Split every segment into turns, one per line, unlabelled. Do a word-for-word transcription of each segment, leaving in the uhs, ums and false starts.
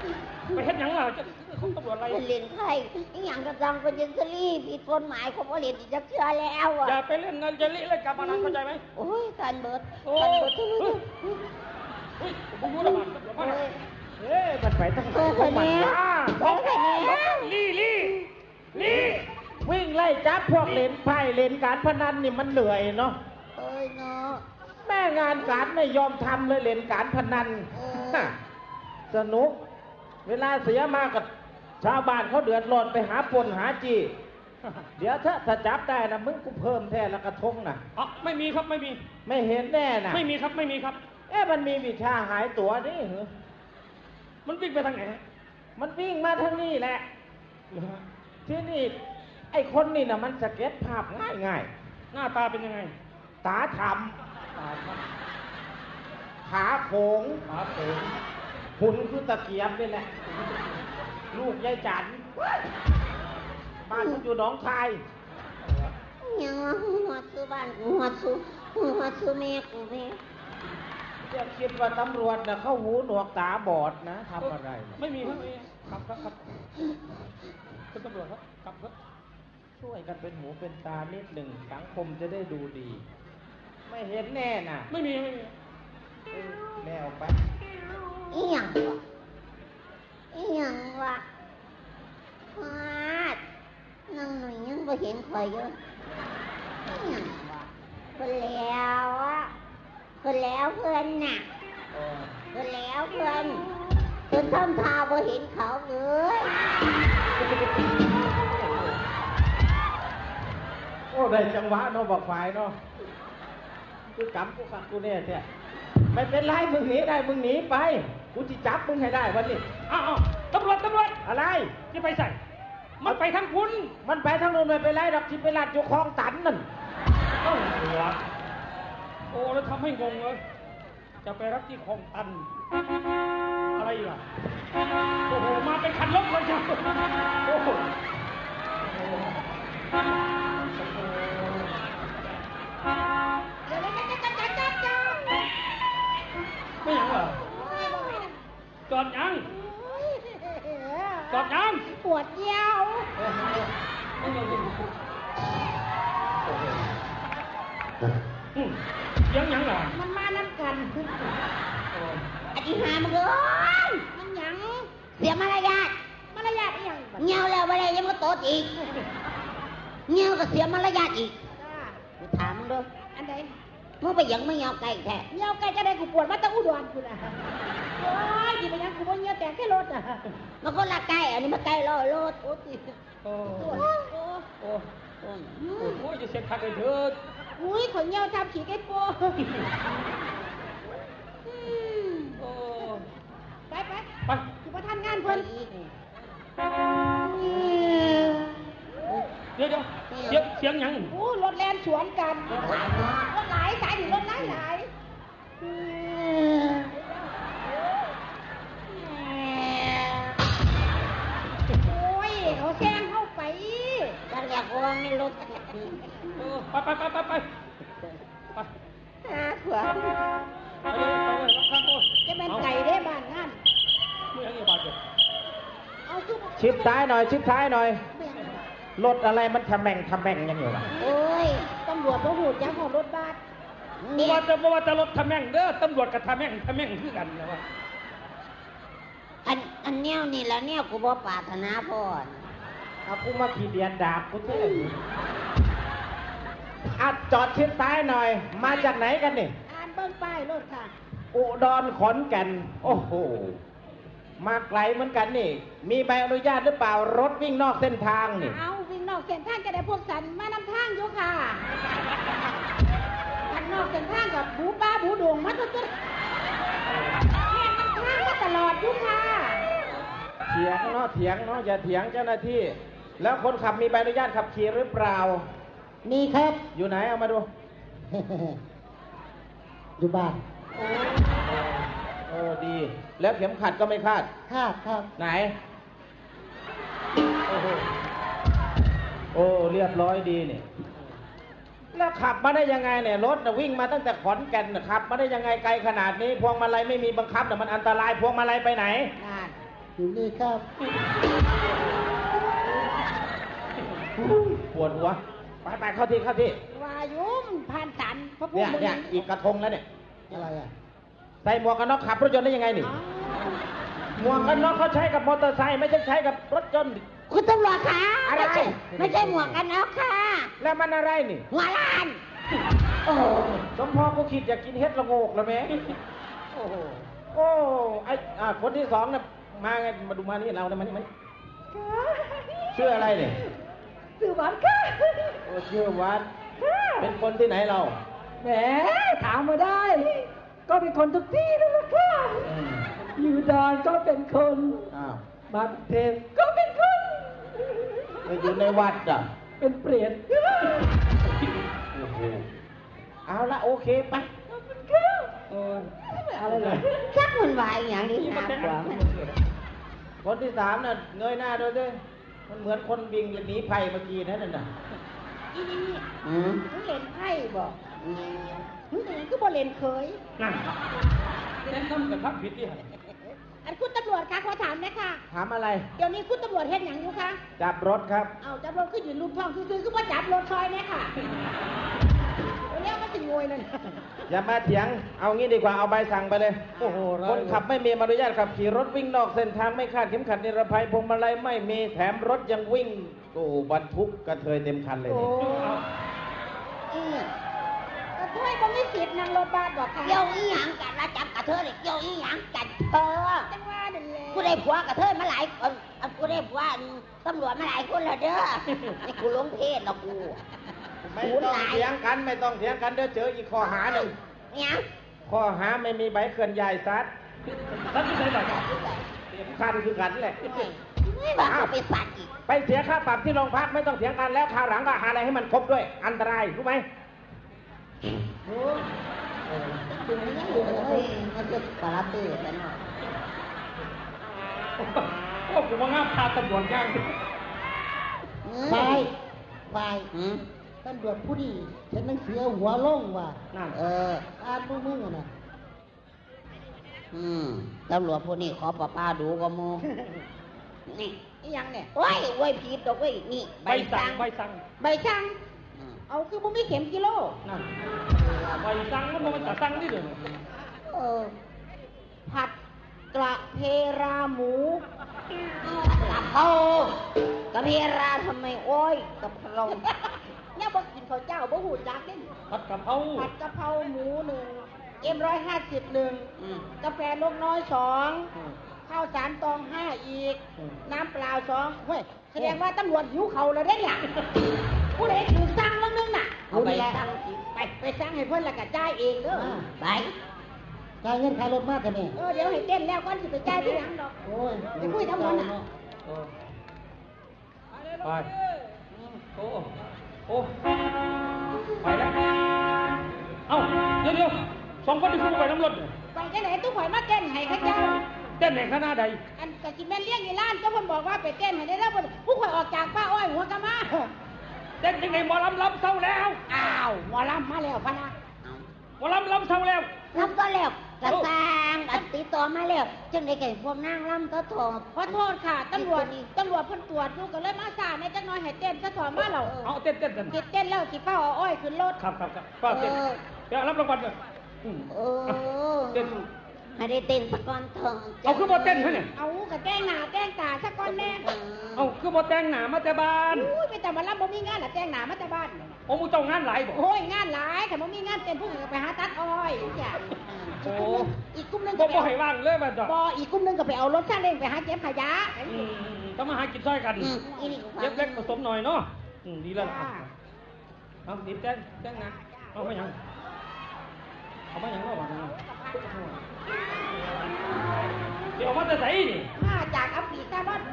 ไปเฮ็ดหยังล่ะจะของตำรวจอะไร
เรียนไทยอย่างกระจังเป็นยันซรี่ผิดกฎหมายเขาบอกเรียนอีกจะเชื่อแล้วอ่ะ
อย่าไปเล่นเงินจะลิเล่นการพนันเข้าใจไหม
โอ้ยการเบิด
โอ้
การเบิดทุก
เฮ้ยเฮ้ยผมรู้แล้วมันตำรวจมาเฮ้ยมันไปตั้งไหนของมันวะ
โอ้ยแค่นี้
ลี่ลี่ลี่
วิ่งไล่จับพวกเล่นไพ่เล่นการพนันนี่มันเหนื่อยเนาะ
เอ้ยเนาะ
แม่งานการไม่ยอมทำเลยเล่นการพนัน
เออ
ฮะสนุก เวลาเสียมากกับชาวบ้านเขาเดือดร้อนไปหาปนหาจี เดี๋ยวถ้าถ้าจับได้นะมึงกูเพิ่มแท้ละกระทงนะ
อ๋อไม่มีครับไม่มี
ไม่เห็นแน่นะ
ไม่มีครับไม่มีครับ
เอ๊ะมันมีวิชาหายตัวนี่เหรอ
มันวิ่งไปทางไหน
มันวิ่งมาทางนี้แหละ ที่นี่ไอ้คนนี่นะมันสเก็ตภาพง่ายง่าย
หน้าตาเป็นยังไง
ๆตาท
ตา
ำขาโขง
ตาโผง
หุ่นคือตะเกียบนี่แหละ ลูกยายจันบ้านกูอยู่หนองคาย
ยังว่าหัวซื้อบ้านกูหัวซื้อหัวซื้อแม่กูแม่
จะคิดว่าตำรวจนะเข้าหูหนวกตาบอดนะทำอะไรนะ
ไม่มีครับไม่มีครับครับครับคุณตำรวจครับครับครับ
ช่วยกันเป็นหูเป็นตานิดหนึ่งสังคมจะได้ดูดี ไม่เห็นแน่น่ะ
ไม่มีไม่มี
เออแม่ออกไป
อีหยังวะอีหยังวะพาดนั่งหน่อยยังบ่เห็นข่อยอยู่อีหยังวะเพิ่นแล้วอะเพิ่นแล้วเพิ่นน่ะ
เออ
เพิ่นแล้วเพิ่นเพิ่นทำทาบ่เห็นเขาเลย
โอ้ได้จังหวะเนาะบอกฝ่ายเนาะกูกำกูขัดกูเนี่ยเนี่ยไม่เป็นไรมึงหนีได้มึงหนีไปกูจะจับมึงให้ได้วันนี้
อ้าวอ้าวตำรวจตำรวจ
อะไร
ที่ไปใส่ มันไปทางคุณ
มันไปทางโน้นไม่เป็นไรดอกที่ไปลาดอยู่คลองตันนั่น
ตำรวจโอ้แล้วทำให้งงเลยจะไปรับที่คลองตัน อะไรล่ะโอ้โหมาเป็นคันรถเลยจ้ะโอ้โหไม่ยังเหรอจอดยังจอดยัง
ปวดเยี่ยว
อืมยังยังเหรอ
มันมานั่นกันอธิหามันเลยมันหยังเสียมารยาทมารยาทอีหยังเงี้ยวแล้วอะไรยังมาโตดอีกเงี้ยวก็เสียมารยาทอีกกูถามมึงดูอันใดมึงไปหยังไม่เงี้ยวไก่แท้เงี้ยวไก่จะได้กูปวดมาตั้งอุดรกูนะโอ้ยที่ไปยังกูบ่เงี้ยวแต่แค่รถอ่ะมันก็ละไก่อันนี้มันไก่ลอยรถโอ้ย
โอ้
โอ้
โห
ยโอ้ย
โอ้
โอ้ย
โหจะเสียคักเลยเถิด
อุ้ยขนเงี้ยวทำขี้ไก่โป้อืม
โอ้
ไปไป
ไป
คือประทานงานเพิ่น
เดี๋ยวเดี๋ยวเสียงเสียงหยัง
โอ้รถแล่นสวนกันรถหลายสายถึงรถหลายหลายโอ้ยเขาแซงเข้าไปกันอยากวางในรถ
เออไปไปไปไปไปไป
หาขวา
ไปเลยไปเลยรับข้างโอ้ย
จะเป็นไก่ได้บ้านงาน
ไม่ยังอีบาดเจ็บ
เอาซุป
ชิดท้ายหน่อย ชิดท้ายหน่อย รถอะไรมันทำแม่งทำแม่งยังอยู่ล่ะ
โอ้ยตำรวจต้องหูจักของรถบัส
บ่ว่าจะบ่ว่าจะรถทำแม่งเด้อตำรวจกับทำแม่งทำแม่งคือกันนะว่า
อันอันแนวนี่แล้วแนวกูบ่ปรารถนาพ่อ
เอากูมาขี่เดียนดาบกูเท่อัดจอดชิดท้ายหน่อย มาจากไหนกันนี่
อ่านเบิ่งป้ายรถค่ะ
อุดรขอนแก่น โอ้โห มาไกลเหมือนกันนี่ มีใบอนุญาตหรือเปล่ารถวิ่งนอกเส้นทางนี่
เอาวิ่งนอกเส้นทางจะได้พวกสันมานำทางอยู่ค่ะกันนอกเส้นทางกับบูป้าบูดวงมาตัวตัวแม่นำทางมาตลอดอยู่ค่ะ
เถียงเนาะเถียงเนาะอย่าเถียงเจ้าหน้าที่ แล้วคนขับมีใบอนุญาตขับขี่หรือเปล่า
มีครับ
อยู่ไหนเอามาดู
อยู่บ้าน
โอ้ดี แล้วเข็มขัดก็ไม่คาด
ครับครับ
ไหน โอ้โหโอ้เรียบร้อยดีนี่ แล้วขับมาได้ยังไงเนี่ยรถน่ะวิ่งมาตั้งแต่ขอนแก่นน่ะขับมาได้ยังไงไกลขนาดนี้ พวงมาลัยไม่มีบังคับแต่ะมันอันตรายพวงมาลัยไปไหน
งาน
อยู่นี่ครับ
ปวดหัวไปไปเข้าที่เข้าที่
วายุมผ่านสันพระผู้
เนี่ย
มึง
เนี่ยอีกกระทงแล้วเนี่ย
อะไรอ่ะ
ใส่หมวกกันน็อกขับรถยนต์ได้ยังไงนี่
อ๋อ
หมวกกันน็อกเขาใช้กับมอเตอร์ไซค์ไม่ใช่ใช้กับรถยนต์
คุณตำรวจคะ
อะไร
ม่ใช่ไม่ใช่หมวกกันน็อกค่ะ
แล้วมันอะไรนี่
หัวล้าน โอ้โห
สมพอกูคิดอยากกินเฮ็ดละโงกแล้วแม่โอ้โหโอ้ไออ่าคนที่สองเนี่ยมาไงมาดูมานี่เราเนี่ยมานี่มานี่ชื่ออะไรเนี่ย
สื่อหวานค่ะ
โอ้ชื่อวัดเป็นคนที่ไหนเรา
แหมถามมาได้ ก็เป็นคนทุกที่นั่นแหละค่ะ
อืม
อยู่ดอนก็เป็นคน
อ้าว
มากรุงเทพก็เป็นคน
ไปอยู่ในวัดอ่ะ
เป็นเปรต
โอ้โหเอาละโอเคไป
เออ
อะไรเลยชักมันวายอย่างนี้นะกว่ามัน
คนที่สามน่ะเงยหน้าดูด้วยมันเหมือนคนวิ่งหนีภัยเมื่อกี้นั่นน่ะ
อีนี่อืมมึงเล่นไพ่บอกอืมมึงเล่นก็บ่เล่นเคย
นั่นเล่นน้ำกับทับผิดที่ไหน
อันคุณตำรวจคะขอถามหนะคะ
ถามอะไร
เดี๋ยวนี้คุณตำรวจเห็นอย่างอยู่คะ
จับรถครับ
เอาจับรถขึ้นอยู่รูปท้องคือคือว่าจับรถซอยเนี่ยค่ะเรียกมาสิงวยนั่น
อย่ามาเถียง เอางี้ดีกว่า เอาใบสั่งไปเลย
โอ้โหร้าย
คนขับไม่มีใบอนุญาตขับขี่รถวิ่งนอกเส้นทางไม่คาดเข็มขัดนิรภัยพวงมาลัยไม่มีแถมรถยังวิ่งโอ้โหบรรทุกกระเทยเต็มคันเลย
โอ้
นี่
อืมกระเทยบ่มีสิทธิ์นั่งรถบัสบอกค่ะเกี่ยวอีหยังกันละจับกระเทยเลยเกี่ยวอีหยังกันเธอจังว่านั่นแหละกูได้ผัวกระเทยมาหลายคนอ่ะกูได้ผัวตำรวจมาหลายคนแล้วเด้อนี่กูหลงเพศแล้วกู
ไม่ต้องเถียงกัน ไม่ต้องเถียงกันเดี๋ยวเจออีกข้อหาหนึ่ง
เนี่ย
ข้อหาไม่มีใบเคลื่อนย้ายซัด
ทับที่ไหนบ้าง
เต็มคันคือกันแหละ
ไม่ว่าเขาไปสัตว์อีก
ไปเสียค่าปรับที่โรงพักไม่ต้องเถียงกันแล้วคราวหลังก็หาอะไรให้มันครบด้วย อันตรายรู้ไหม
เฮ้ยมันจะปลาตื้อไปหน่อย
โอ้ผมว่างามพาตำรวจย่าง
ไป ไป
อืม
ตำรวจผู้ดีฉันนังเสือหัวโล่งว่ะ
นั่น
เออ
อ่านมือมือน่ะ
อืมตำรวจพวกนี้ขอป้าป้าดูก็มูนี่อีหยังเนี่ยโอ้ยโอ้ยผิดดอกเว้ยนี่
ใบสั่งใบสั่ง
ใบสั่งเอาคือบ่มีเข็มกิโล
นั่นใบสั่งก็มันจะสั่งนี่เด้อ
เออ ผัดกระเพราหมูกระเพรากระเพราทำไมโอ้ยกระเพราเนี่ยบอกกินข้าวเจ้าบ่หูจักเด้น
ผัดกะเพรา
ผัดกะเพราหมูหนึ่งเอ็มร้อยห้าสิบหนึ่งกาแฟนกน้อยสองข้าวสารตองห้าอีก น้ำเปล่าสองเฮ้ยแสดงว่าตำรวจหิวเขาแล้วเด้เนี่ยผู้ใดถือสั่งแล้วนึงน่ะเอาไปสั่งสิไปไปสั่งให้เพื่อนและกะจ่ายเองเด้อไป
จ่ายเงินค่ารถมากกันนี่
เออเดี๋ยวให้เต้นแล้วก่อนสิไปจ่ายที่หลังดอก
โอ้ย
ไปคุยทำมันน่ะ
เออไปโอ้โอ้ไปแล้วเอ้าเดี๋ยวเดี๋ยวสองคนที่พูดไปน้ำรถเนี่ย
ไปจังไหนตู้ข่อยมาเต้นให้ข้าเจ้า
เต้นในคณะใด
อันกะสิแม่นเลี้ยงอีร้านเจ้าเพิ่นบอกว่าไปเต้นให้ได้แล้วเพิ่นผู้ข่อยออกจากป้าอ้อยหัวกะมา
เต้นยังไงหมอลำลำเศร้าแล้ว
อ้าวหมอลำมาแล้วพะนะ
หมอลำลำเศร้าแล้ว
ลำก็แล้วกระตางอันติดต่อมาแล้วจังได๋ก็พวกนางลำก็ถอดขอโทษค่ะตำรวจตำรวจเพิ่นตรวจอยู่ก็เลยมาซ่าในจักหน่อยให้เต้นซะถอดมาแล้ว
เอาเต้นเต้นเต้น
สิเต้นแล้วสิเป้าเอาอ้อยขึ้นรถ
ครับครับครับป้าเต้นเดี๋ยวรับรางวัลเลยอืม
เออ
เต้น
ให้ได้เต้นสักก่อนเถอะ
เอาคือบ่เต้นเขาเนี่ย
เอากะแกล้งหน้าแกล้งตาสักก่อนแน่
เอาคือบ่แต่งหน้ามาแต่บ้าน
อุ้ยไปแต่มาลำบ่มีงานน่ะแกล้งหน้ามาแต่บ้าน
โอ้มูเจ้างานหลายบ่
โอ้ยงานหลายแต่บ่มีงานเต้นพวกอื่นก็ไปหาตัดอ้อยจ้ะ
โอ้
อีกกลุ่มหนึง
บ่
ก็ไป
บ่ให้ว่างเลยมันจ้ะ
บ่อีกกลุ่มหนึงก็ไปเอารถซาเล้งไปหาเก็บขยะ
อืมต้องมาหากินซ้อยกัน
อืมอีนี่ก็ฟัง
เล็กเล็กผสมหน่อยเนาะอืมดีแล้วล่ะเอาดีแจ้งแจ้งนะเอามาหยังเอามาหยังเนาะว่านะเดี๋ยวเอามาแต่ไสนี่
มาจากอัฟริกาบ้าน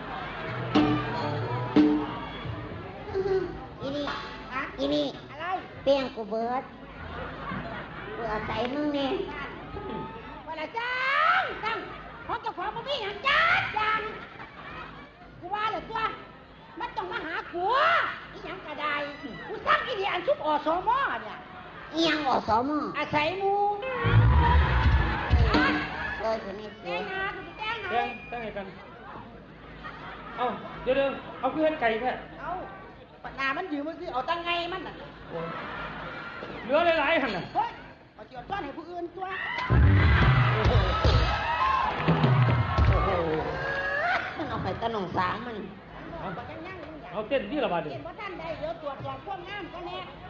อีนี่อะอีนี่อะไรเปียงกูเบิดกูเอาใส่มึงนี่ว่าละจังจังเพราะเจ้าของบ่มีหยังจัดจังกูว่าแล้วตัวมันต้องมาหากูอีหยังก็ได้กูสั่งอีนี่อันชุบอสมเนี่ยอีหยังอสมอาศัยหมู่เลยคนนี้
แจ้งนาคุณแจ้งน
แจ้งแจ้งให้กัน เอาเดี๋ยวเดี๋ยวเอาคือเฮ็ดไก่แท้
เอาปัญหามันยืมมันสิเอาตั้งไงมันน่ะ
โอ้ยเหลือหลายๆหั่นน่ะ
เฮ้ยเอาเจียวต้อนให้ผู้อื่นตัว
โอ้โหโอ้โห
มันเอาไปตะหนองสางมัน
เอา
บ่ยังยังยัง
เอาเต้นที่ละบาดดิ
เห็นว่าท่านใดเดี๋ยวตรวจสอบความงามก็แน่